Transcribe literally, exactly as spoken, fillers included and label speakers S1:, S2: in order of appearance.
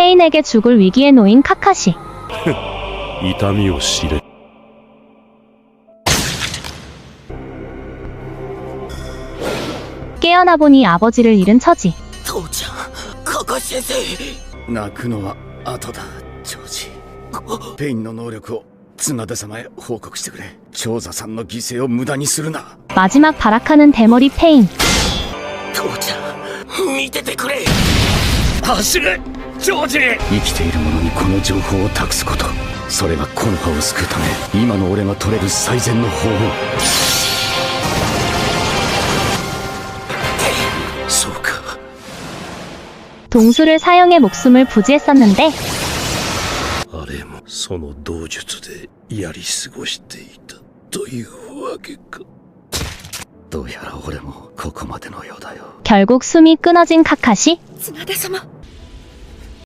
S1: 페인에게 죽을 위기에 놓인 카카시.
S2: 痛みを知れ。
S1: 깨어나 보니 아버지를 잃은 처지.
S3: 父ちゃん、カカシ先生。
S4: 泣くのは後だ、ジョージ。ペインの能力を綱田様へ報告してくれ。長座さんの犠牲を無駄にするな。
S1: 마지막 발악하는 대머리 페인.
S3: 父ちゃん、見ててくれ。
S4: 走れ、ジョージ。生きている者にこの情報を託すこと、それが木の葉を救うため今の俺が取れる最善の方法。そうか。
S1: 동수를 사용해 목숨을 부지했었는데
S2: あれもその道術でやり過ごしていたというわけか。
S4: どうやら俺もここまでのようだよ。
S1: 결국 숨이 끊어진 카카시.
S3: 綱田様。